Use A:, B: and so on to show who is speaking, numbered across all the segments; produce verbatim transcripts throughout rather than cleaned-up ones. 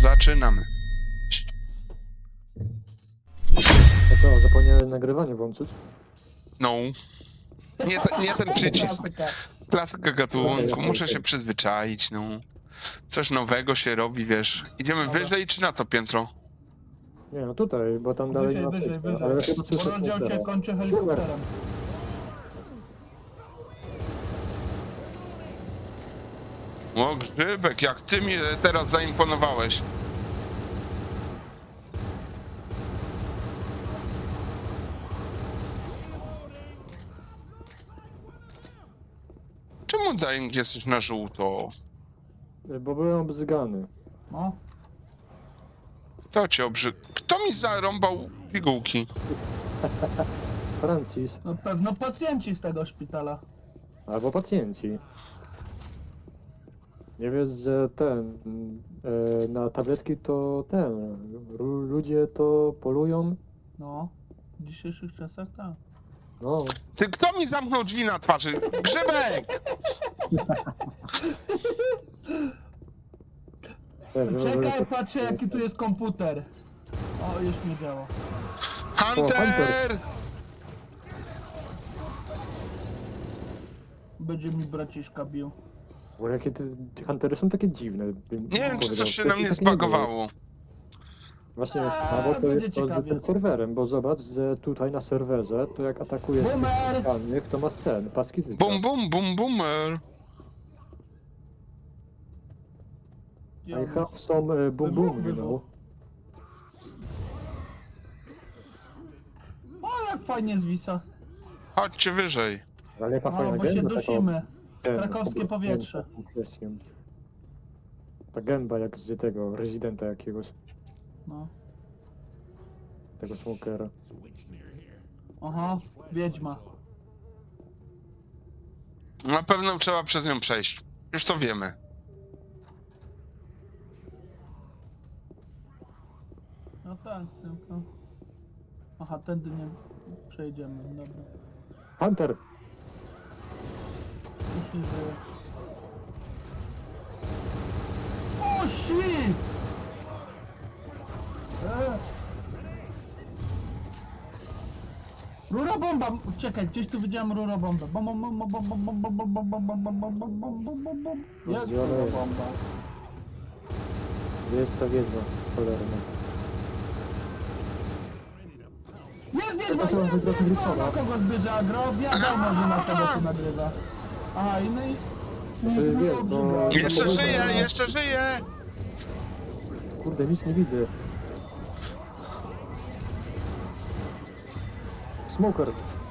A: zaczynamy.
B: A co, zapomniałeś nagrywanie włączyć?
A: No. Nie, te, nie ten przycisk.
C: Klasyka.
A: Klasyka gatunku. Muszę się przyzwyczaić, no. Coś nowego się robi, wiesz. Idziemy
C: Dobra.
A: wyżej czy na to piętro?
B: Nie no tutaj, bo tam dalej
C: Wyżej,
B: nie ma
C: wyżej,
B: przejścia,
C: wyżej.
B: ale chyba słyszę
C: Bo rozdział cię
B: smokera.
C: kończy helikopterem.
A: O, Grzybek, jak ty mi teraz zaimponowałeś. Czemu Dying jesteś na żółto?
B: Bo byłem obzygany.
C: No.
A: Kto cię obrzy... Kto mi zarąbał pigułki?
B: Francis,
C: Na pewno pacjenci z tego szpitala.
B: albo pacjenci. Nie wiesz, że ten, e, na tabletki to ten, lu- ludzie to polują,
C: No. W dzisiejszych czasach tak.
B: no.
A: Ty, kto mi zamknął drzwi na twarzy? Grzybek!
B: Ten,
C: Czekaj, patrzę jaki tu jest komputer. O, już nie działa.
A: Hunter!
C: Będzie mi braciszka bił.
B: Bo jakie te te huntery są takie dziwne. bym
A: Nie wiem, czy
B: powiedział.
A: coś się
B: To
A: na
B: jest
A: mnie
B: takie nie było.
A: zbagowało.
B: Właśnie,
C: A,
B: albo to
C: będzie
B: jest to z
C: ciekawie.
B: tym serwerem, bo zobacz, że tutaj na serwerze, to jak atakuje
C: Boomer!
B: danych, to masz ten, paski zyska.
A: Bum, bum, bum, boomer.
B: I have some uh, boom boom, you know.
C: O, jak fajnie zwisa.
A: Chodźcie wyżej.
B: Ale jaka
C: No,
B: fajna
C: bo się
B: gęba,
C: dusimy.
B: ten,
C: Krakowskie
B: obrośnięta
C: powietrze.
B: tym kwestią. Ta gęba jak z tego, rezydenta jakiegoś,
C: No.
B: tego smokera.
C: Aha, wiedźma.
A: Na pewno trzeba przez nią przejść. Już to wiemy.
C: No tak, tylko... Aha, tędy nie przejdziemy, dobra.
B: Hunter!
C: Już nie żyje. O, shit! E. Rura bomba! Czekaj, gdzieś tu widziałem rura bombę. Bom, bom, bom, bom, bom, bom, bom, bom, bom, bom, bom, bom, bom, bom, bom, bom, bom, bom. Jest
B: Gdzie ona
C: rura
B: jest?
C: bomba.
B: Gdzie jest ta wiedźma? Cholerna.
C: Jest wiedźma!
B: To są
C: Jest
B: wygrać
C: wiedźma!
B: Wilsona.
C: Na kogo zbliża agro? Wiadomo, że na kogo się nagrywa. Aha, i no i...
B: Znaczy, wiesz, bo-
A: Jeszcze żyje, jeszcze żyje!
B: Kurde, nic nie widzę. Smoker!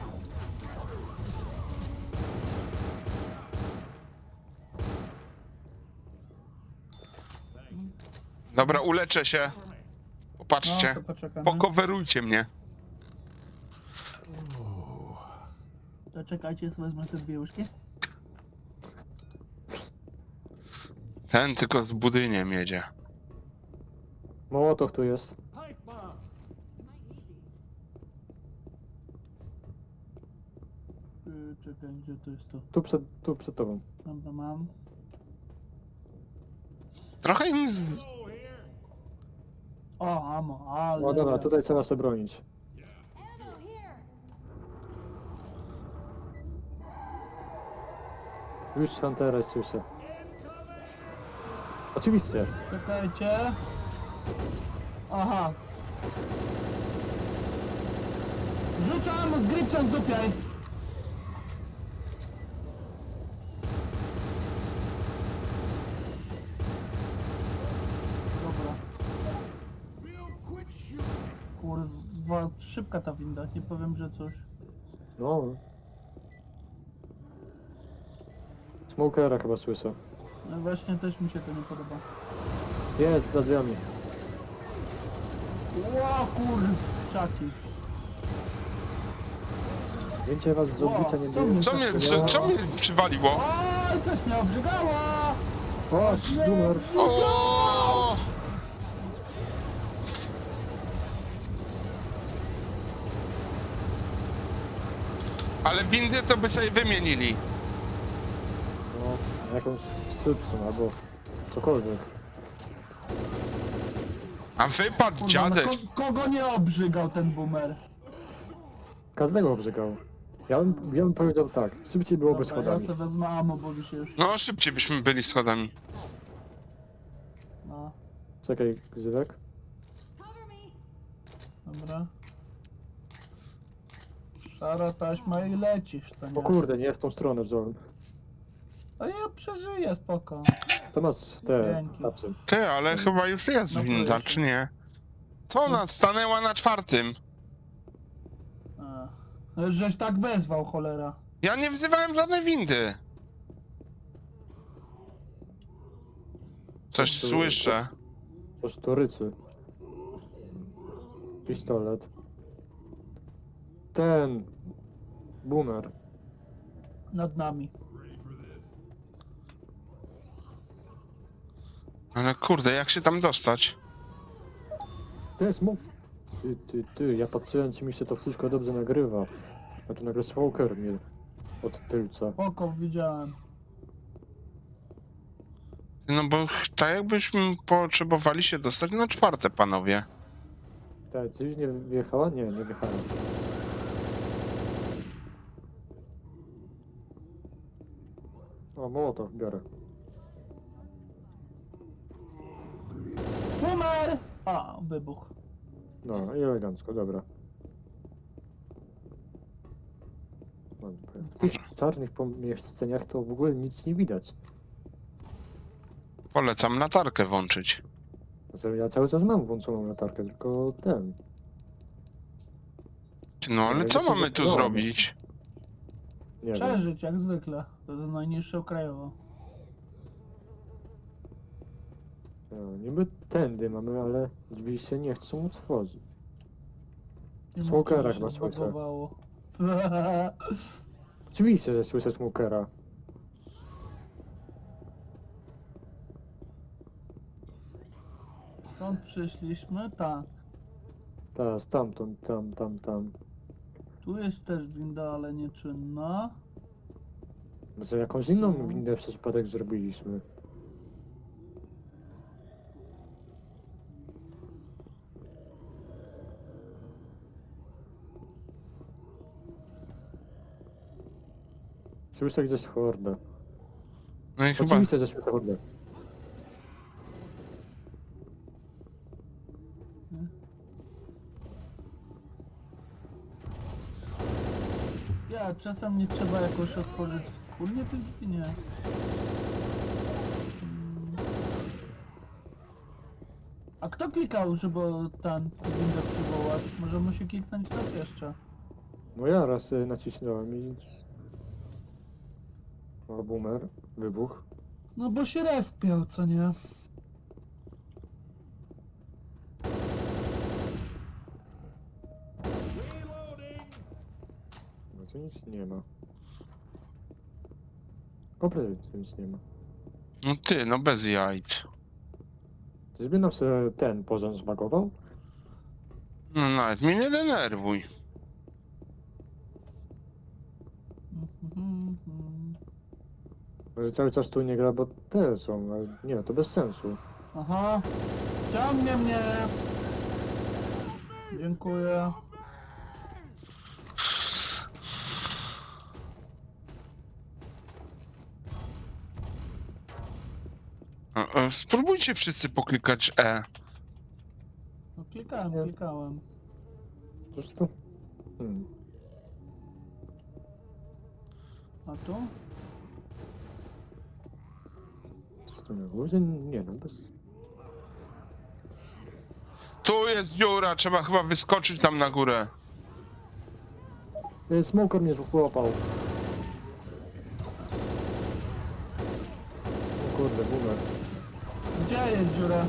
A: Dobra, uleczę się. Popatrzcie.
C: No, to poczekamy.
A: Pokowerujcie mnie.
C: To czekajcie, wezmę te dwie łyżki.
A: Ten tylko z budyniem jedzie.
B: Mołotow tu jest.
C: Yy, czekaj, gdzie to jest to?
B: Tu przed, tu przed tobą.
C: Dobra, mam.
A: Trochę im z...
C: O, amo, ale...
B: No dobra, tutaj trzeba się bronić. Już Huntera słyszę. Oczywiście.
C: Czekajcie. Aha. Rzucam, Gripson dupiaj. Dobra. Kurwa, szybka ta winda, nie powiem, że coś.
B: No. Smokera chyba słyszę.
C: No właśnie też mi się to nie podoba.
B: Jest za drzwiami.
C: Ło kurczaki.
B: Więcej was z oblicza nie
C: O, co
B: było.
C: mnie-
A: Co mnie, co, co mnie przywaliło?
C: Oj, coś mnie obrzygało!
B: Chodź, numer.
A: O! Ale windy to by sobie wymienili.
B: No, jakąś szybszą albo cokolwiek.
A: A wypadł
C: Kurwa, no
A: dziadek.
C: ko kogo nie obrzygał ten boomer?
B: Każdego obrzygał. Ja bym, ja bym powiedział tak, szybciej byłoby
C: Dobra, ja
B: schodami.
C: sobie wezmę ammo, bo mi się już...
A: No szybciej byśmy byli schodami.
C: No,
B: Czekaj, Gzywek.
C: dobra. Szara taśma i lecisz, to
B: O
C: nie?
B: kurde, nie w tą stronę wziąłem.
C: A ja przeżyję, spoko.
B: To masz te
C: Dzięki.
B: tapsy.
A: Ty, ale chyba już jest
C: No,
A: winda,
C: proszę.
A: czy nie? To ona stanęła na czwartym.
C: A. Żeś tak wezwał, cholera.
A: Ja nie wzywałem żadnej windy. Coś
B: To- to-
A: słyszę.
B: To sztorycy. Pistolet. Ten. Boomer.
C: Nad nami.
A: Ale kurde, jak się tam dostać?
B: To jest mu... Ty, ty, ty, ja patrzyłem, czy mi się to wszystko dobrze nagrywa. A tu nagle smoker mnie od tylca.
C: Spoko, widziałem.
A: No bo ch- tak jakbyśmy potrzebowali się dostać na czwarte, panowie.
B: Tak, czy już nie wjechała? Nie, nie wjechała. O, mołotow biorę.
C: Boomer! A, wybuch.
B: No, i elegancko, dobra. No, W tych czarnych pomieszczeniach to w ogóle nic nie widać.
A: Polecam latarkę włączyć.
B: Znaczy, ja cały czas mam włączoną latarkę, tylko ten.
A: No ale
B: Ale
A: co
B: ja się
A: mamy tu
B: zatrzymałem.
A: zrobić?
B: Nie wiem.
C: Przeżyć, jak zwykle. To jest najniższe krajowo.
B: No, niby tędy mamy, ale drzwi się nie chcą otworzyć.
C: Nie
B: Smokera
C: mówcie, że
B: chyba
C: się
B: słyszę.
C: zbagowało.
B: Oczywiście, że słyszę smokera.
C: Stąd przyszliśmy? Tak.
B: Teraz tamtąd, tam, tam, tam.
C: Tu jest też winda, ale nieczynna.
B: Może jakąś inną
C: No.
B: windę przez przypadek zrobiliśmy. Słyszę gdzieś hordę.
A: No i chyba...
B: Oczywiście, że słyszę hordę.
C: Ja, czasem nie trzeba jakoś otworzyć wspólnie tych drzwi, nie. Hmm. A kto klikał, żeby ten windę przywołać? Może musi kliknąć raz jeszcze.
B: No ja raz y, nacisnąłem i... O, boomer, wybuch.
C: No bo się respiał, co nie?
B: No tu nic nie ma. Oprócz tu nic nie ma.
A: No ty, no bez jajc.
B: Czyżby nam się ten poziom zbagował?
A: No nawet mnie nie denerwuj.
C: Mhm, mhm.
B: Może cały czas tu nie gra, bo te są, ale nie, to bez sensu.
C: Aha. Ciągnie mnie. Dziękuję.
A: E, e, Spróbujcie wszyscy poklikać E.
C: No klikałem,
B: Nie.
C: klikałem.
B: Cóż to? Hmm.
C: A tu?
B: Coś tu na górze? Nie no, bez...
A: Tu jest dziura, trzeba chyba wyskoczyć tam na górę.
B: E, Smoker mnie złapał. O kurde, boomer.
C: Gdzie jest dziura?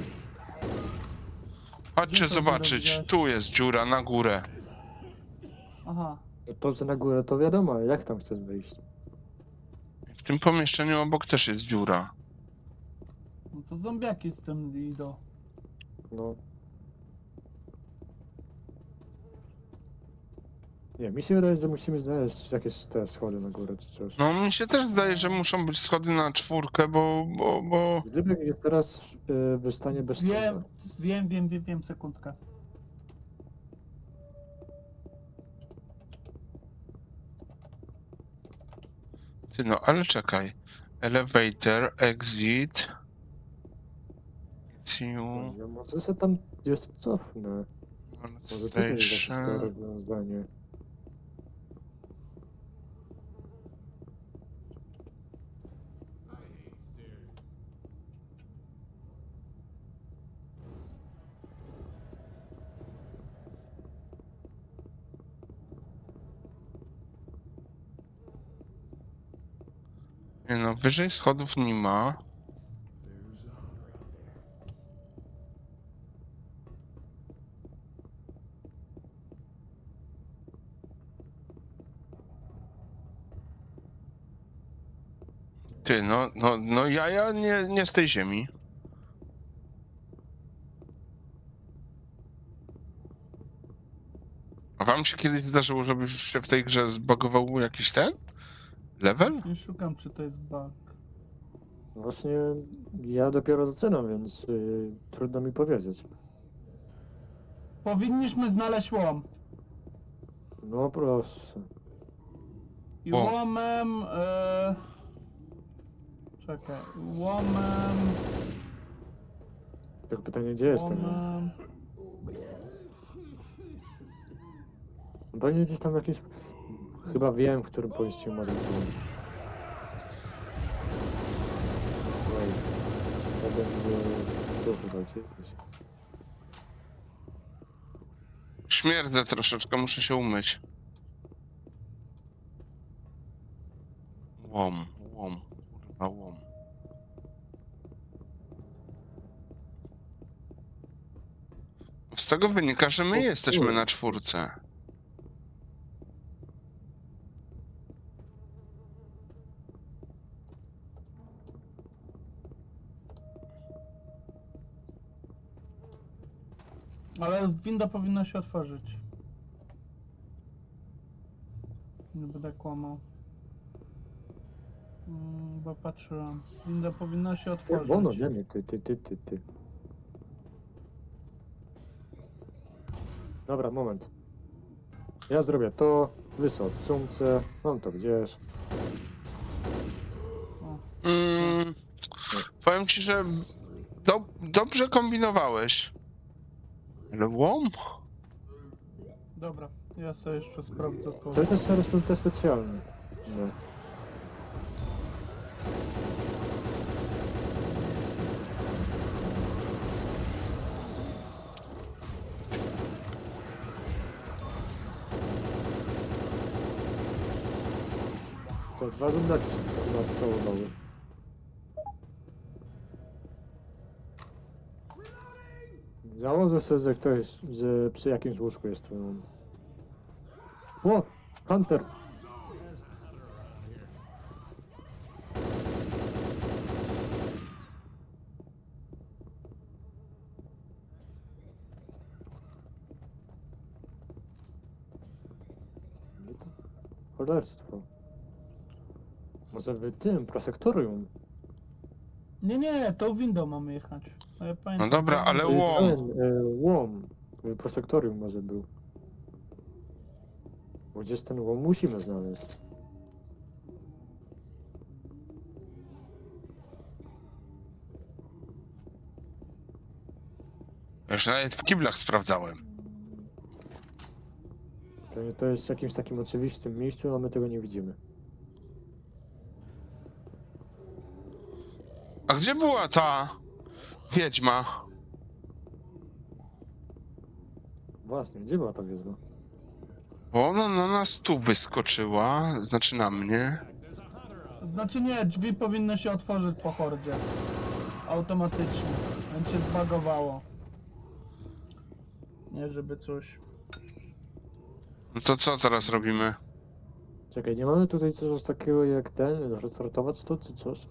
A: Chodźcie
C: Gdzie to
A: zobaczyć,
C: dziura
A: tu jest dziura na górę.
C: Aha.
B: To, że na górę to wiadomo, ale jak tam chcesz wyjść?
A: W tym pomieszczeniu obok też jest dziura.
C: No to zombiaki z tym idą.
B: No. Nie, mi się wydaje, że musimy znaleźć jakieś te schody na górę czy coś.
A: No mi się też zdaje, że muszą być schody na czwórkę, bo, bo, bo...
B: Gdyby jest teraz y, wystanie bez
C: Wiem,
B: cuda.
C: wiem, wiem, wiem, wiem, sekundkę.
A: Ty no, ale czekaj. Elevator, exit... It's you,
B: Ja może się tam jest cofnę.
A: North
B: Może tutaj jest jakieś to
A: Station...
B: rozwiązanie.
A: Nie no, wyżej schodów nie ma. Ty, no, no, no ja, ja nie, nie z tej ziemi. A wam się kiedyś zdarzyło, żeby się w tej grze zbagował jakiś ten? Level?
C: Nie szukam, czy to jest bug.
B: Właśnie ja dopiero zaczynam, więc y, trudno mi powiedzieć.
C: Powinniśmy znaleźć łom.
B: No proszę.
C: I
A: O.
C: łomem... E... Czekaj, łomem...
B: Tylko pytanie, gdzie jest ten?
C: Łomem...
B: Pewnie gdzieś tam jakiś... Chyba wiem, w którym pojeździe może być. Wait. To będzie... Tu chyba gdzieś.
A: Śmierdzę troszeczkę, muszę się umyć. Łom, łom, kurwa łom. Z tego wynika, że my
B: O,
A: jesteśmy
B: kurde.
A: na czwórce.
C: Ale winda powinna się otworzyć. Nie będę kłamał. Mm, bo patrzyłem. Winda powinna się otworzyć.
B: Bono, wiemy, ty, ty, ty, ty, ty. Dobra, moment. Ja zrobię to, wysok w sumce, mam to gdzieś.
C: O,
A: Mm, powiem ci, że do, dobrze kombinowałeś. Ale łom?
C: dobra, ja sobie jeszcze sprawdzę to.
B: To jest teraz te specjalny. No. To dwa zębaki się tam nacałowały. Założę sobie, że ktoś, że przy jakimś łóżku jest ten... O! Hunter! Nie to... Cholerstwo. Może wy tym, prosektorium?
C: Nie, nie, tą windą mamy jechać. A ja pamiętam,
A: No dobra,
C: że-
A: ale
B: Czyli
A: łom.
B: ten, e, łom. E, Prosektorium może był. Bo gdzieś ten łom musimy znaleźć.
A: Już nawet w kiblach sprawdzałem.
B: Pewnie to jest w jakimś takim oczywistym miejscu, a my tego nie widzimy.
A: A gdzie była ta wiedźma?
B: Właśnie, gdzie była ta wiedźma?
A: Bo ona na nas tu wyskoczyła, znaczy na mnie.
C: Znaczy nie, drzwi powinny się otworzyć po hordzie. Automatycznie. Więc się zbagowało. Nie, żeby coś...
A: No to co teraz robimy?
B: Czekaj, nie mamy tutaj czegoś takiego jak ten, restartować to czy coś?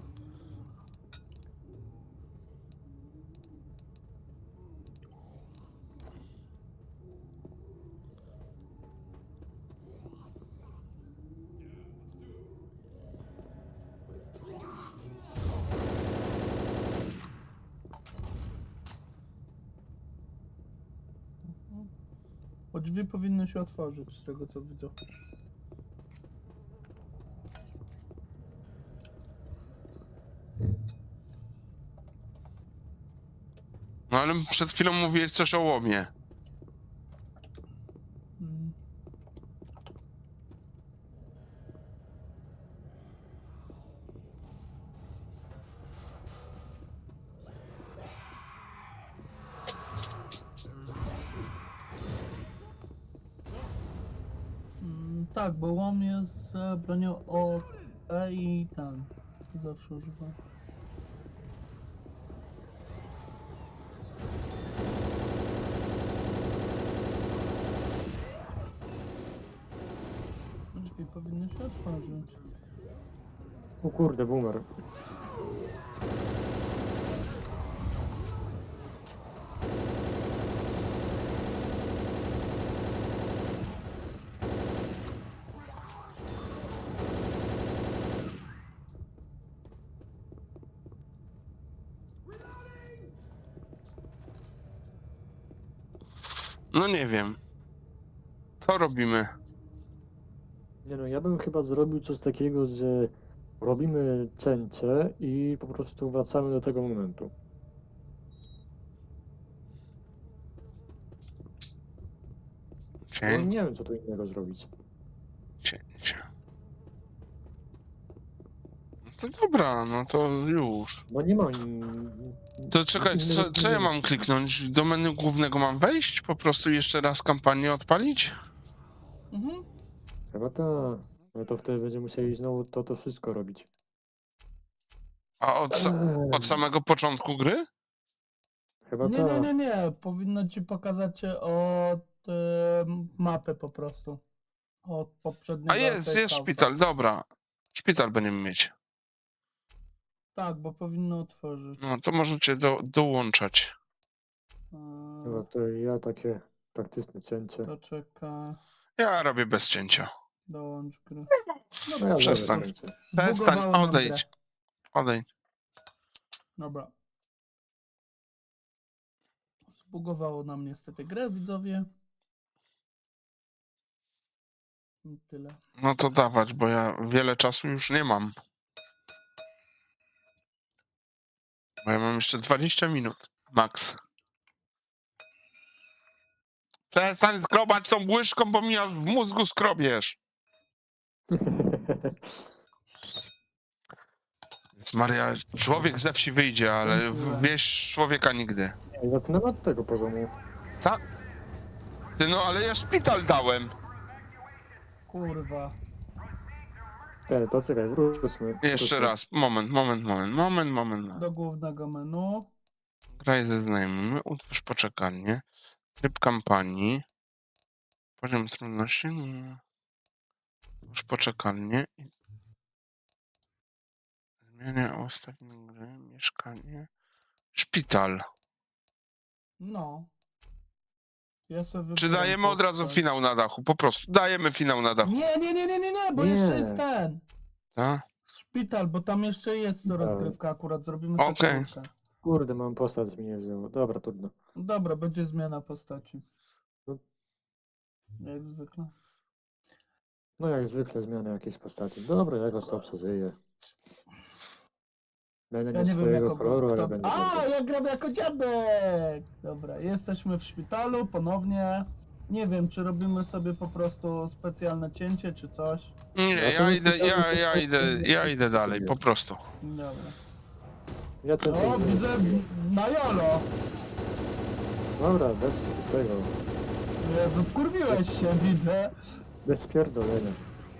C: Bo drzwi powinny się otworzyć, z tego co widzę.
A: No ale przed chwilą mówiłeś coś o łomie.
C: Mm. Mm, tak, bo łom jest e, bronią O E i ten. Zawsze używam. Drzwi powinny się otworzyć.
B: O kurde, boomer.
A: No nie wiem. Co robimy?
B: Nie no, ja bym chyba zrobił coś takiego, że robimy cięcie i po prostu wracamy do tego momentu. Bo
A: Cięcie,
B: nie wiem, co tu innego zrobić.
A: cięcie. No to dobra, no to już.
B: Bo nie ma... in-
A: To czekaj,
B: nic
A: co,
B: innego
A: co ja
B: nie-
A: mam kliknąć? Do menu głównego mam wejść? Po prostu jeszcze raz kampanię odpalić?
C: Mhm.
B: Chyba tak. No to wtedy będziemy musieli znowu to, to wszystko robić.
A: A od, sa-
B: Eee,
A: od samego początku gry?
B: Chyba
C: Nie, nie,
B: tak.
C: nie, nie. Powinno ci pokazać od e, mapy po prostu. Od poprzedniego
A: A jest,
C: save
A: jest
C: house'a.
A: szpital, dobra. Szpital będziemy mieć.
C: Tak, bo powinno otworzyć.
A: No to możecie do, dołączać.
B: Chyba
C: E,
B: to ja takie taktyczne cięcie.
C: to czeka.
A: Ja robię bez cięcia.
C: Dołącz grę.
B: No ja
A: przestań.
B: zrobię cięcie.
A: Przestań,
C: Zbugowało nam
A: odejdź.
C: grę.
A: Odejdź.
C: Dobra. Zbugowało nam niestety grę, widzowie. I tyle.
A: No to dawać, bo ja wiele czasu już nie mam. Bo ja mam jeszcze dwadzieścia minut. Max. Przestań skrobać tą łyżką, bo mi aż w mózgu skrobiesz. Więc Maria, człowiek ze wsi wyjdzie, ale w- wieś człowieka nigdy.
B: Ej, zaczynamy od tego poziomu.
A: Co? Ty no, ale ja szpital dałem.
C: Kurwa.
B: Te, to czekaj, wróćmy.
A: Jeszcze
B: wróćmy.
A: raz. Moment, moment, moment, moment, moment. moment.
C: Do głównego menu.
A: Graj ze znajomymi, utwórz poczekalnię, tryb kampanii, poziom trudności, no. Utwórz poczekalnię, zmienia ustawienie gry, mieszkanie, szpital.
C: No. Ja sobie
A: Czy
C: wybrałem
A: dajemy od razu
C: postać.
A: finał na dachu? Po prostu, dajemy finał na dachu,
C: Nie, nie, nie, nie, nie, nie, bo
B: Nie.
C: jeszcze jest ten.
A: tak?
C: Szpital, bo tam jeszcze jest
B: Szpital.
C: rozgrywka, akurat zrobimy
A: Okej.
C: okay.
B: Kurde, mam postać mi nie wzięło. Dobra, trudno.
C: Dobra, będzie zmiana postaci.
B: No.
C: Jak zwykle.
B: No jak zwykle zmiany jakiejś postaci. Dobra, jakoś to przeżyję. Będę
C: Ja
B: miał
C: nie wiem
B: swojego
C: jako...
B: koloru, ale
C: kto...
B: będę
C: A,
B: dobrze.
C: ja gram jako dziadek! Dobra, jesteśmy w szpitalu ponownie. Nie wiem, czy robimy sobie po prostu specjalne cięcie, czy coś.
A: Nie,
B: Ja
A: ja
B: sobie
A: idę, ja,
B: szpital-
A: ja idę, ja idę dalej, po prostu.
C: Dobra.
B: Ja co
C: O, widzę na jolo!
B: Dobra, bez tego.
C: Jezu, wkurwiłeś się, widzę.
B: Bez pierdolenia.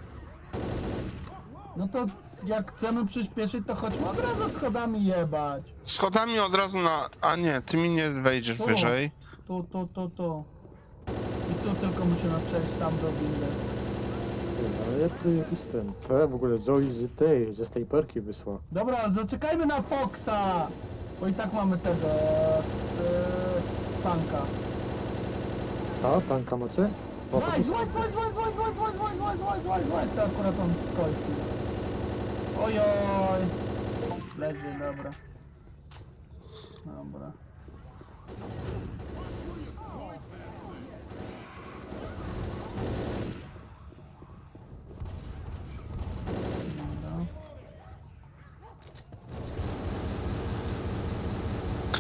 C: No to jak chcemy przyspieszyć, to chodźmy od razu schodami jebać.
A: Schodami od razu na... A nie, ty mi nie wejdziesz
C: Tu.
A: wyżej.
C: Tu, tu, tu, tu. I tu tylko musimy przejść tam do windy.
B: Ty, ale jak tu jakiś ten... To ja w ogóle Zoe z tej, ze tej perki wysła.
C: Dobra, ale zaczekajmy na Foxa! Bo i tak mamy tego... Yy, tanka.
B: A, tanka macie? O,
C: Złaj,
B: to
C: złaj, złaj, złaj, złaj, złaj, złaj, złaj, złaj, złaj, złaj, złaj, to akurat on skończył. Ojoj! Leży, dobra. Dobra.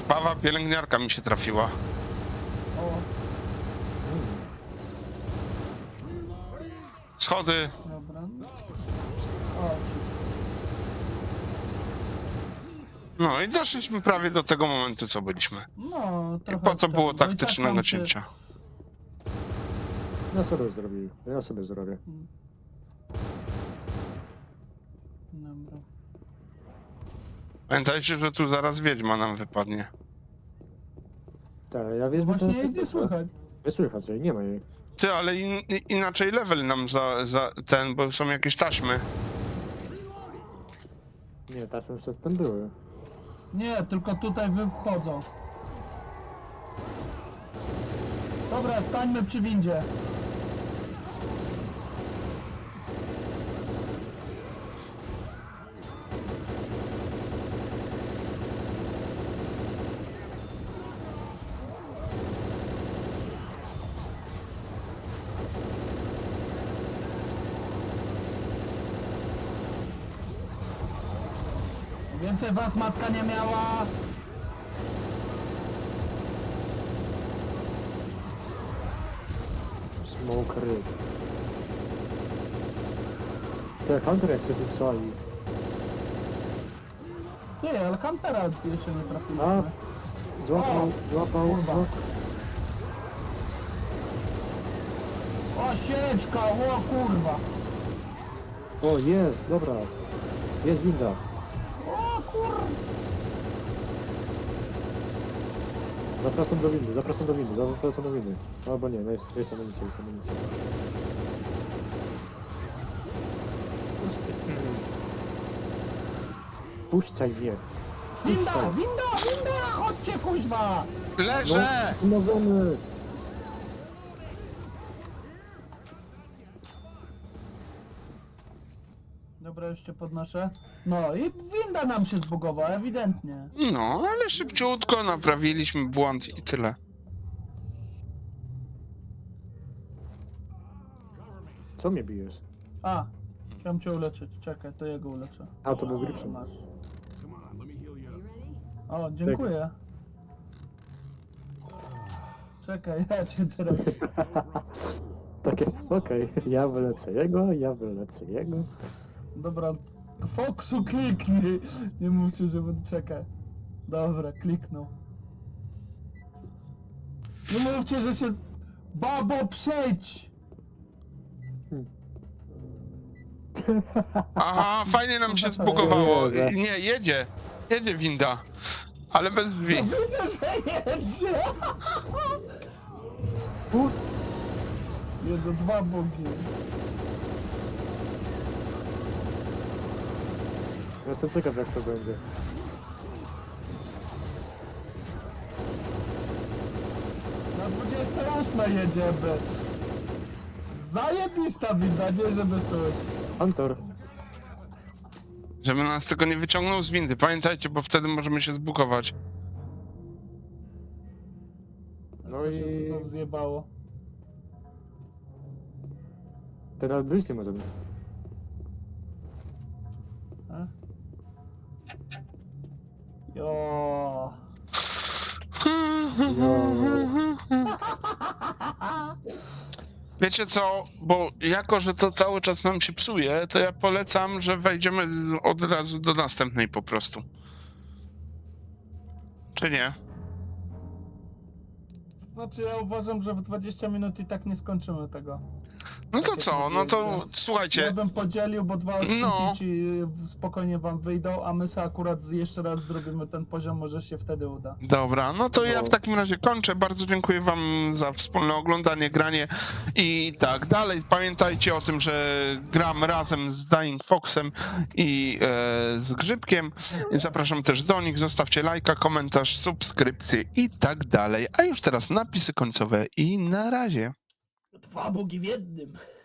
A: Krwawa pielęgniarka mi się trafiła.
C: O,
B: Mm.
A: Schody.
C: dobra. O,
A: No i doszliśmy prawie do tego momentu, co byliśmy.
C: no,
A: I
C: trochę
A: po co było
C: ten, bo i tak
A: taktycznego
C: tam się-
A: cięcia?
B: Ja sobie zrobię. Ja sobie zrobię.
C: Dobra.
A: Pamiętajcie, że tu zaraz wiedźma nam wypadnie.
B: Tak, ja wiem,
C: Właśnie jej nie słychać.
B: Nie słychać jej, nie ma jej.
A: Ty, ale in, i- inaczej level nam za, za ten, bo są jakieś taśmy.
B: Nie, taśmy już przedtem były.
C: Nie, tylko tutaj wychodzą. Dobra, stańmy przy windzie. Więcej was matka nie miała.
B: Smoke ryb. Te Hunter jak się tu psali.
C: Ty, ale Huntera jeszcze nie
B: A,
C: trafiliśmy.
B: złapał, złapał,
C: Kurwa.
B: no.
C: O, sieczka, o kurwa.
B: O, jest, dobra. Jest winda.
C: O kurwa.
B: Zapraszam do windy, zapraszam do windy, zapraszam do windy. Albo nie, no jest, jest amunicja, jest amunicja. Puszczaj mnie.
C: Winda, winda, winda, chodźcie kuźwa.
A: Leżę!
B: Umawiamy.
C: Dobra, jeszcze podnoszę. No i winda nam się zbugowała, ewidentnie.
A: No, ale szybciutko naprawiliśmy błąd i tyle.
B: Co mnie bijesz?
C: A, chciałem cię uleczyć. Czekaj, to jego uleczę.
B: A, to był Gripson.
C: Masz. O, dziękuję. Czekaj, ja cię teraz...
B: Takie, okej, ja wylecę jego, ja wylecę jego.
C: Dobra, Foxu kliknij. Nie mówcie, że będę czekać. Dobra, kliknął. Nie mówcie, że się... Babo, przejdź!
A: Aha, fajnie nam się zbugowało. Nie, jedzie. Jedzie winda. Ale bez drzwi.
C: Widzę, że jedzie!
B: Put.
C: Jedzą dwa bogi.
B: Jestem ciekaw jak to będzie.
C: Na dwudziestą ósmą jedziemy. Zajebista winda, nie żeby coś.
B: Hunter.
A: Żeby nas tylko nie wyciągnął z windy. Pamiętajcie, bo wtedy możemy się zbugować.
B: No
C: To się
B: i-
C: znów zjebało.
B: Teraz wyjść nie możemy.
C: A? Jo.
A: Wiecie co, bo jako, że to cały czas nam się psuje, to ja polecam, że wejdziemy z- od razu do następnej po prostu. Czy nie?
C: Znaczy ja uważam, że w dwadzieścia minut i tak nie skończymy tego.
A: No to co, no to
C: Ja
A: słuchajcie,
C: bym podzielił, bo dwa odcinki
A: No.
C: ci spokojnie wam wyjdą, a my sobie akurat z- jeszcze raz zrobimy ten poziom, może się wtedy uda.
A: dobra, no to ja
B: No.
A: w takim razie kończę. Bardzo dziękuję wam za wspólne oglądanie, granie i tak dalej. Pamiętajcie o tym, że gram razem z Dying Foxem i e, z Grzybkiem. Zapraszam też do nich. Zostawcie lajka, komentarz, subskrypcję i tak dalej. A już teraz napisy końcowe i na razie.
C: Dwa bogi w jednym.